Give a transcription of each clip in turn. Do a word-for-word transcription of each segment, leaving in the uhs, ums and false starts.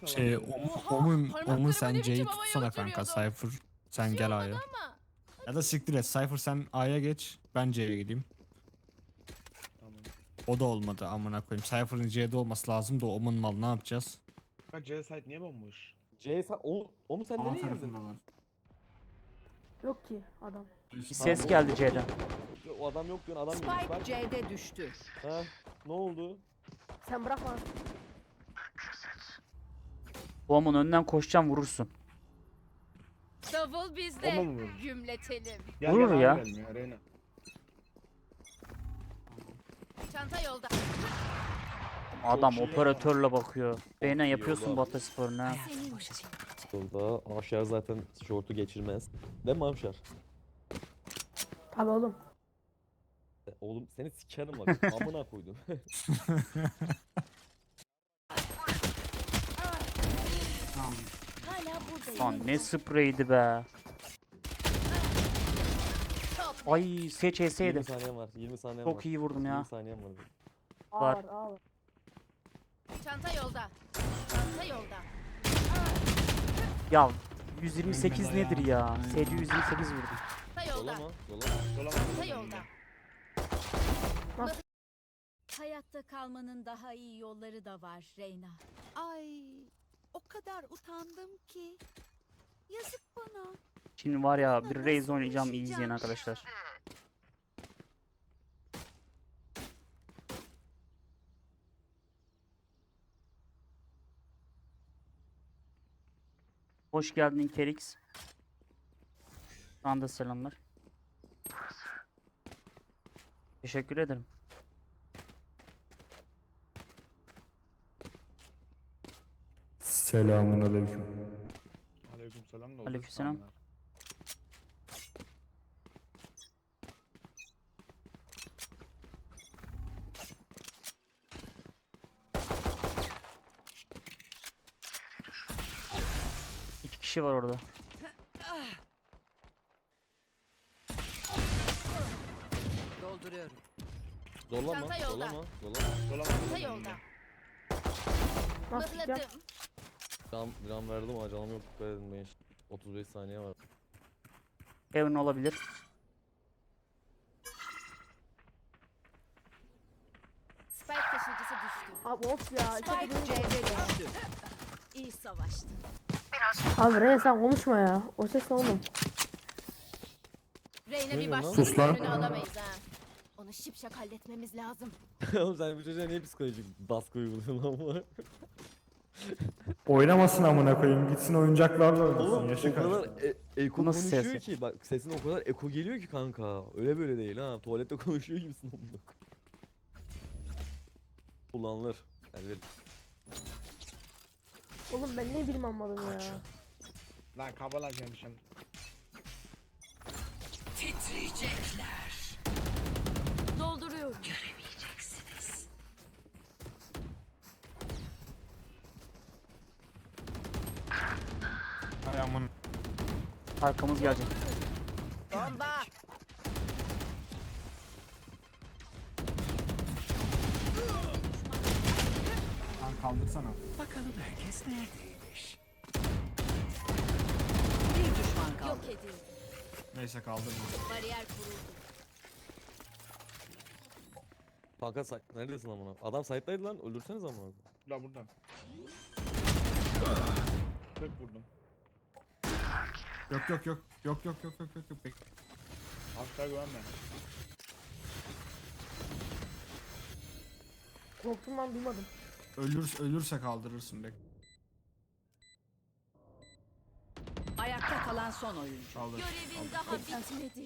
Şey, falan. Om- Oha, Omun, parmaklarıma Omun ne sen biçim C'yi havaya tutsana kanka. uçuruyordum. Cypher sen Bir şey gel olmadı A'ya. ama. Ya da siktir et. Cypher sen A'ya geç. Ben C'ye gideyim. Tamam. O da olmadı amına koyayım. Cypher'ın C'de olması lazım da Omun mal ne yapacağız? Bak C site niye bomboş? C sen o, o mu sen nereye girdin? var. Yok ki adam. Bir ses Ha, geldi o- C'den. O adam yok diyorsun adam girmiş Spike bak. C'de düştü. Ha ne oldu? Sen bırakma. Boğumun önünden koşacağım vurursun. Davul bizde. Bomba mı vurur? Gümletelim. Gel, Vurur gel, ya. abi gelmiyor, Reyna. Çanta yolda. Adam iyi. operatörle bakıyor. Beyne iyi yapıyorsun oldu. Batı sporuna. Senin için. Yolda Avşar zaten şortu geçirmez. Değil mi Avşar? Tabii oğlum. E, Oğlum seni sikerim bak. Amına koydum. Hala buradayım. Lan ne spreydi be. Top. Ay seç yirmi yeseydim. saniyem var. yirmi saniyem var. Çok iyi vurdum ya. yirmi saniyem var. Ağır Var. ağır. Çanta yolda. Çanta yolda. Ya yüz yirmi sekiz nedir ya? S C yüz yirmi sekiz vurdum. Çanta yolda. Dola mı? Dola mı? Dolamaz. Çanta yolda. Nasıl? Hayatta kalmanın daha iyi yolları da var Reyna. Ay, o kadar utandım ki. Yazık bana. Şimdi var ya bir Raze oynayacağım iyi izleyin arkadaşlar. Hoş geldin Kerix. Sana da selamlar. Teşekkür ederim. Selamun aleyküm. Aleykümselam da Aleykümselam. oldu. İki kişi var orada. Dolduruyorum. Dola mı? Çanta yolda. Dola mı? Dola mı? Dolamaz. Çanta yolda. Nasıl çıkacağım? Mıhladım. Gram, gram verdim ama canım yok. Dikkat edin beş. otuz beş saniye var. Evan olabilir. Spike taşıyıcısı düştü. Abi of ya. Spike Çok C'de düştü. İyi savaştın. Abi Reyna sen konuşma ya. O ses ne oğlum? Reyna Ne bir diyorsun lan? başka Sus lan. önünü alamayız ha. Onu şipşak halletmemiz lazım. Oğlum sen bu çocuğa niye psikolojik baskı uyguluyorsun lan bu? Oynamasın amına koyayım. Gitsin oyuncaklarla oynasın. Oğlum Yaşı o kadar kaçtı. e- eko Bu nasıl ses konuşuyor ya? ki bak sesin o kadar eko geliyor ki kanka. Öyle böyle değil ha. Tuvalette konuşuyor gibisin oğlum. Kullanılır. Yani bir- Oğlum ben ne bileyim anladım ya. Lan kabalar gelmişim. Dolduruyorum. Ay aman. Arkamız gelecek. Bomba. Lan kaldırsana. Bir düşman kaldı. Yok edildi. Neyse kaldırma. Bariyer kuruldu. Kanka say- neredesin amına? Adam site'daydı lan. Öldürseniz amına. La buradan. Tek vurdum. Yok yok yok. Yok yok yok yok yok yok. Bek- Asla güvenme. Korktum lan duymadım. Ölür, ölürse kaldırırsın bek. Ayakta kalan son oyuncu. Kaldır. Görevin daha bitmedi.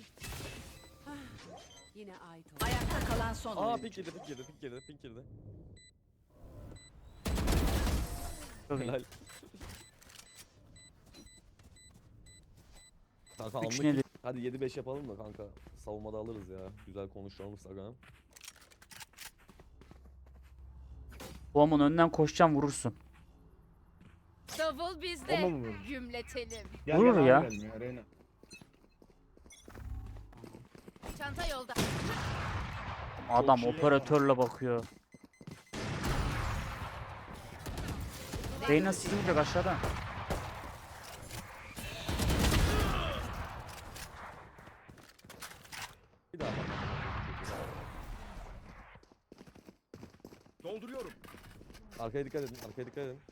Yine ait oldu. Ayakta kalan son Aa oyuncu. pink girdi pink girdi pink girdi pink girdi. Çok iyi. Helal. Kanka Üç anlık nedir? hadi yedi beş yapalım da kanka. Savunmada alırız ya. Güzel konuşalım Saga. Boğumun önünden koşacağım vurursun. Davul bizde. Bomba mı vurur? Gümletelim. Gel, Vurur gel, ya. abi gelmiyor, Reyna. Çanta yolda. Adam iyi ya. operatörle bakıyor. Reyna sizi vuracak aşağıda. Bir daha bak. Dolduruyorum. Arkaya dikkat edin. Arkaya dikkat edin.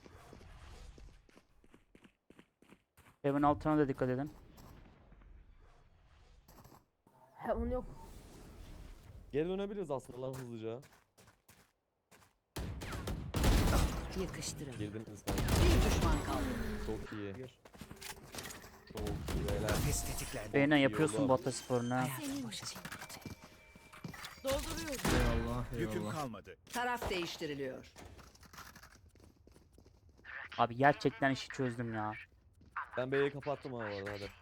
Evin altına da dikkat edin. He onu yok. Geri dönebiliriz aslında lan hızlıca. Yakıştırın. Girdiniz kanka. Bir düşman kaldı. Çok iyi. Gir. Çok iyi beyler. Kafes tetiklendi. Reyna iyi yapıyorsun oldu. bu atasporunu ha. Senin için. Dolduruyorum. Eyvallah Yüküm eyvallah. kalmadı. Taraf değiştiriliyor. Abi gerçekten işi çözdüm ya. Ben B'yi kapattım ha bu arada hadi.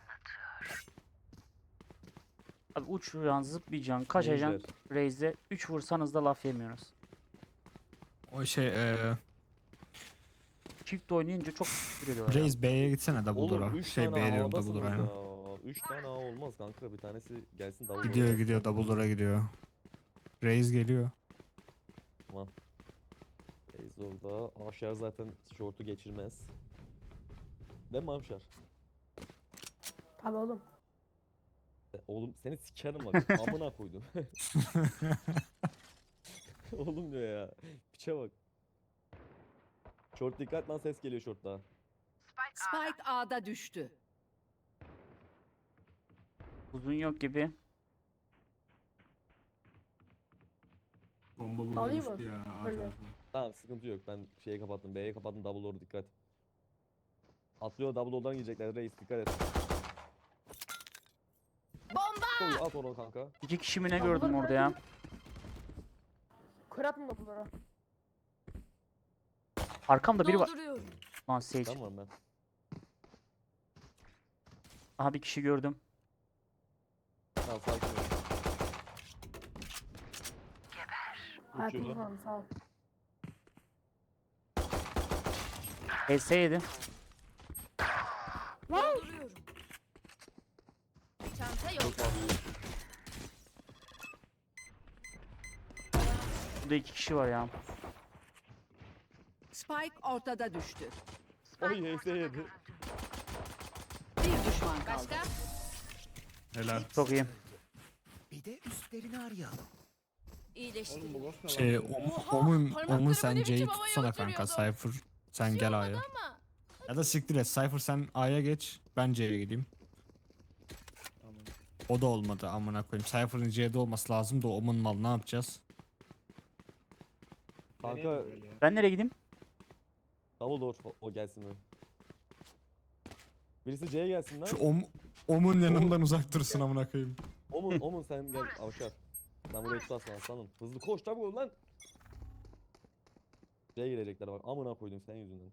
Abi uçuracaksın, zıplayacaksın, kaçacaksın. Raze'de üç vursanız da laf yemiyoruz. O şey eee Çift oynayınca çok küfür ediyorlar. ya. Reis B'ye gitsene double Oğlum door'a. üç Şey tane B diyorum havadasınız double door'a aynen. ya. üç tane A olmaz kanka. Bir tanesi gelsin davul. Gidiyor door'a. gidiyor double door'a gidiyor. Reis geliyor. Reis orada. Aşar zaten şortu geçirmez. Değil mi Avşar? Tabii oğlum. E, Oğlum seni sikerim bak. Amına koydum. Oğlum diyor ya. Piçe bak. Short dikkat lan, ses geliyor short'ta. Spike A'da düştü. Uzun yok gibi. Bomba Alayım mı? Böyle. Tamam sıkıntı yok. Ben şeyi kapattım. B'ye kapattım. Double door dikkat. Atlıyor, double door'dan gidecekler. Reis dikkat et. Bomba! Koy, at onu kanka. İki kişi mi ne Tamam, gördüm bunları orada ya. Kır atma bunlara. Arkamda biri var. Dolduruyorum. Lan Sage. Tamam ben. Aha bir kişi gördüm. Tamam sakin ol. Hayatım Uçuyordu. falan sağ ol. H S yedi. Dolduruyorum. Çanta yok. Çok fazla. Burada iki kişi var ya. Spike ortada düştü. Oy H S yedi. Bir düşman kaldı. Başka? Helal. Çok iyi. Bir de üstlerini arayalım. Oğlum bu İyileştiriyorum. ghost ne Şey lan? Om- Omun parmaklarımı Omun ne sen biçim C'yi havaya tutsana kanka. uçuruyordum. Cypher sen gel A'ya. Ama Ya da siktir et. Cypher sen A'ya geç. Ben C'ye gideyim. Tamam. O da olmadı amına koyayım. Cypher'ın C'de olması lazım da Omun mal ne yapacağız? Kanka Deneyelim böyle ya. Ben nereye gideyim? double door o, o gelsin mi? Birisi C'ye gelsin lan. Şu Om Omun yanından uzak dursun amına koyayım. Omun, Omun sen gel Avşar. Sen burayı tutarsın aslanım. Hızlı koş tabi ol lan. C'ye girecekler bak. Amına koydum senin yüzünden.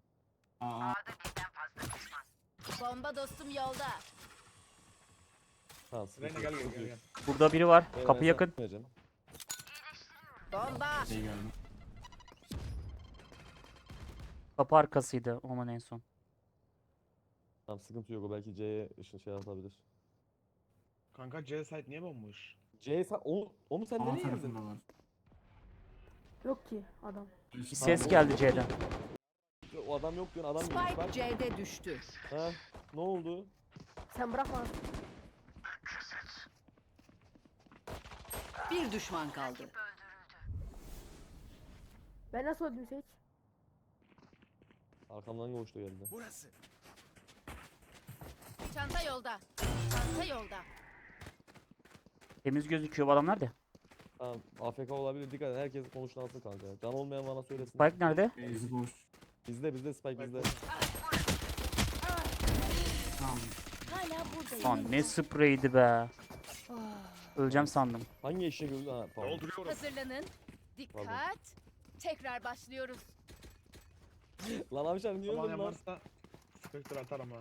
bomba dostum yolda. Tamam sıkıntı Reyna yok, gel gel sıkıntı gel. yok. gel. Burada biri var. Reyna, Kapı ben yakın. sana vereceğim. Bomba! Şey geldim. Kapı arkasıydı Oman en son. Tamam sıkıntı yok, o belki C'ye ışın şey atabilir. Kanka C site niye bomboş? C'ye sen, onu, onu sen nereye girdin? Yok ki adam. Bir ses geldi C'den. O adam yok diyorsun, adam girmiş Spike bak. C'de düştü. Ha, ne oldu? Sen bırakma. Bir düşman kaldı. Ben nasıl öldüm Sage? Arkamdan koştu geldi. Burası. Çanta yolda. Çanta yolda. Temiz gözüküyor bu adam nerede? Tamam, A F K olabilir, dikkat et, herkes konuşlansın kanka. Can olmayan bana söylesin. Spike nerede? Bizde, bizde Spike bizde. Hala buradayım. Lan ne spreydi be. Öleceğim sandım. Hangi eşek öldü? Ha pardon. Dolduruyorum. Hazırlanın. Dikkat. Tekrar başlıyoruz. Lan Avşar niye Zaman öldün lan? yaparsa Spectre atar ama.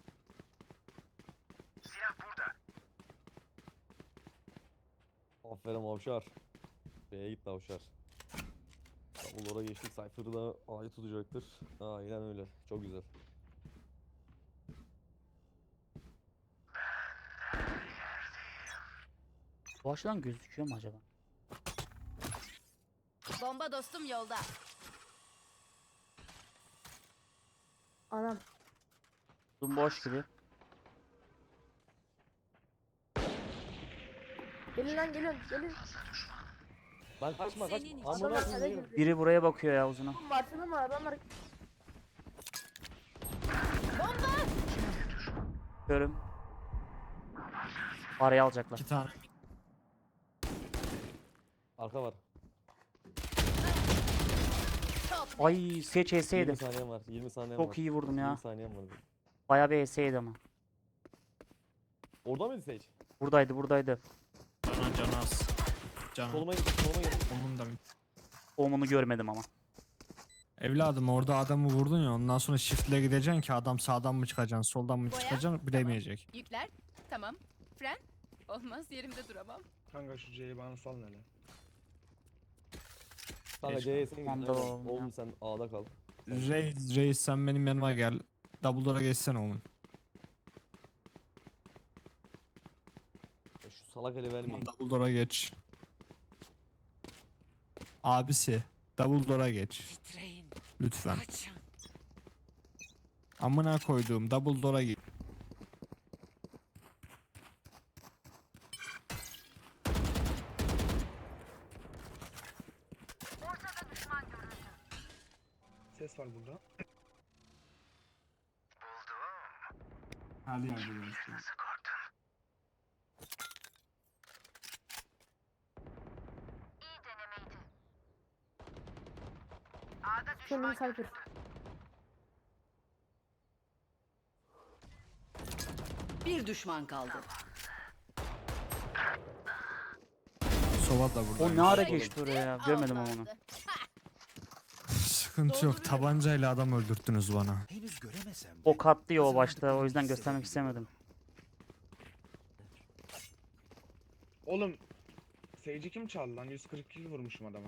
Aferin Avşar. B'ye gitti Avşar. Double'lara geçtik. Cypher'ı da A'yı tutacaktır. Aynen öyle. Çok güzel. Bu açıdan gözüküyor mu acaba? Bomba dostum yolda. Anam. Uzun boş gibi. Gelin lan gelin. Gelin. Lan kaçma kaç. Senin için. Amına Adamlar kale koyayım. girdi. Biri buraya bakıyor ya uzuna. Oğlum Varsana mı adamlar? Görüm. Araya alacaklar. İki tane. Arka var. Ay Seç yirmi H'seydi. saniyem var. yirmi saniyem var. Çok iyi vurdum ya. yirmi saniyem var. Bayağı bir H'seydi ama. Orada mıydı Sage? Buradaydı buradaydı. Canan canı az. Canan. Soluma git, soluma git. Onun da. Omunu görmedim ama. Evladım orada adamı vurdun ya ondan sonra shift'le gideceksin ki adam sağdan mı çıkacaksın soldan mı Boya, çıkacaksın bilemeyecek. Yükler. Tamam. Fren. Olmaz yerimde duramam. Kanka şu C'yi bana sal hele. Kanka Geç C'ye sen git. Tamam da Aynen. oğlum ya. Oğlum sen A'da kal. Reis, reis sen benim yanıma gel. Double door'a geçsene oğlum. Ya Şu salak eli vermeyin. Double door'a geç. Abisi double door'a geç. Lütfen. Amına koyduğum double door'a geç. Ses var burada. Hadi yani. Kendini Cypher. Bir düşman kaldı. Sova da burada. O ne ara geçti oraya ya? Görmedim ama onu. Olmazdı. Sıkıntı yok. Tabancayla adam öldürttünüz bana. Henüz göremesem de. O katlıyor o başta. O kazandıklarını yüzden göstermek hissedebiliyorum. istemedim. Oğlum Sage'i kim çaldı lan? yüz kırk iki vurmuşum adama.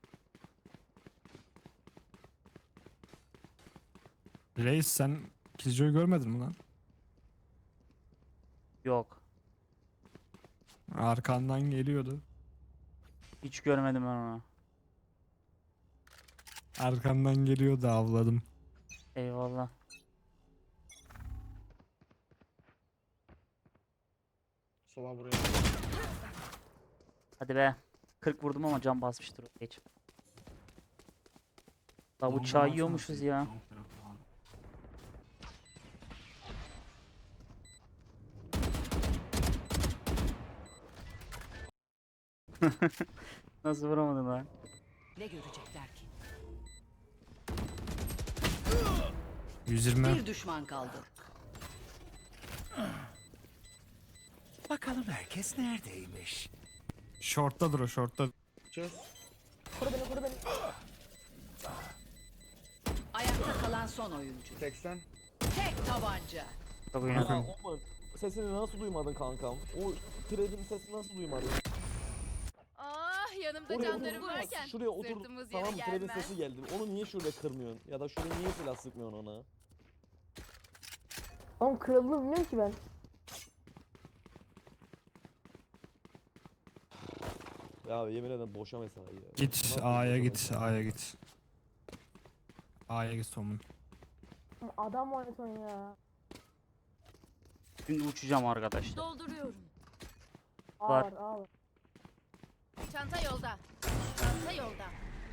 Reis sen Killjoy'u görmedin mi lan? Yok. Arkandan geliyordu. Hiç görmedim ben onu. Arkandan geliyordu avladım. Eyvallah. Sola buraya. Hadi be. kırk vurdum ama can basmıştır o geç. La bıçağı yiyormuşuz ya. Nasıl vuramadın lan? Ne görecekler ki? yüz yirmi. Bir düşman kaldı. Bakalım herkes neredeymiş? Short'tadır o short'ta. Çöz. Koru beni koru beni. Ayakta kalan son oyuncu. seksen. Tek tabanca. Çok Ya oyunu Oman sesini nasıl duymadın kankam? O Trade'in sesini nasıl duymadın? Ah yanımda Oraya canlarım otur. varken. Şuraya otur. Sırtımız yere Tamam Trade'in gelmez. sesi geldi. Onu niye şurada kırmıyorsun? Ya da şuraya niye silah sıkmıyorsun ona? Oğlum kırıldığını bilmiyorum ki ben. Ya yemin ederim boşa mesai ya. Git Nasıl A'ya boşa git mesai? A'ya git. A'ya git Tom'un. Oğlum adam oynasın ya. Şimdi uçacağım arkadaşlar. Dolduruyorum. A Var. var A var. Çanta yolda. Çanta yolda.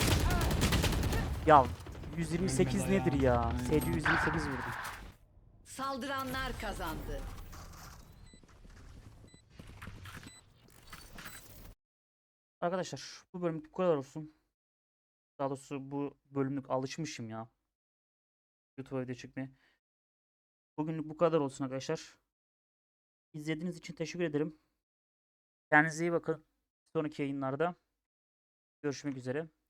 Ya yüz yirmi sekiz nedir ya? S C yüz yirmi sekiz vurdum. Saldıranlar kazandı. Arkadaşlar bu bölümlük bu kadar olsun. Daha doğrusu bu bölümlük alışmışım ya. YouTube'a video çekmeye. Bugünlük bu kadar olsun arkadaşlar. İzlediğiniz için teşekkür ederim. Kendinize iyi bakın. Sonraki yayınlarda görüşmek üzere.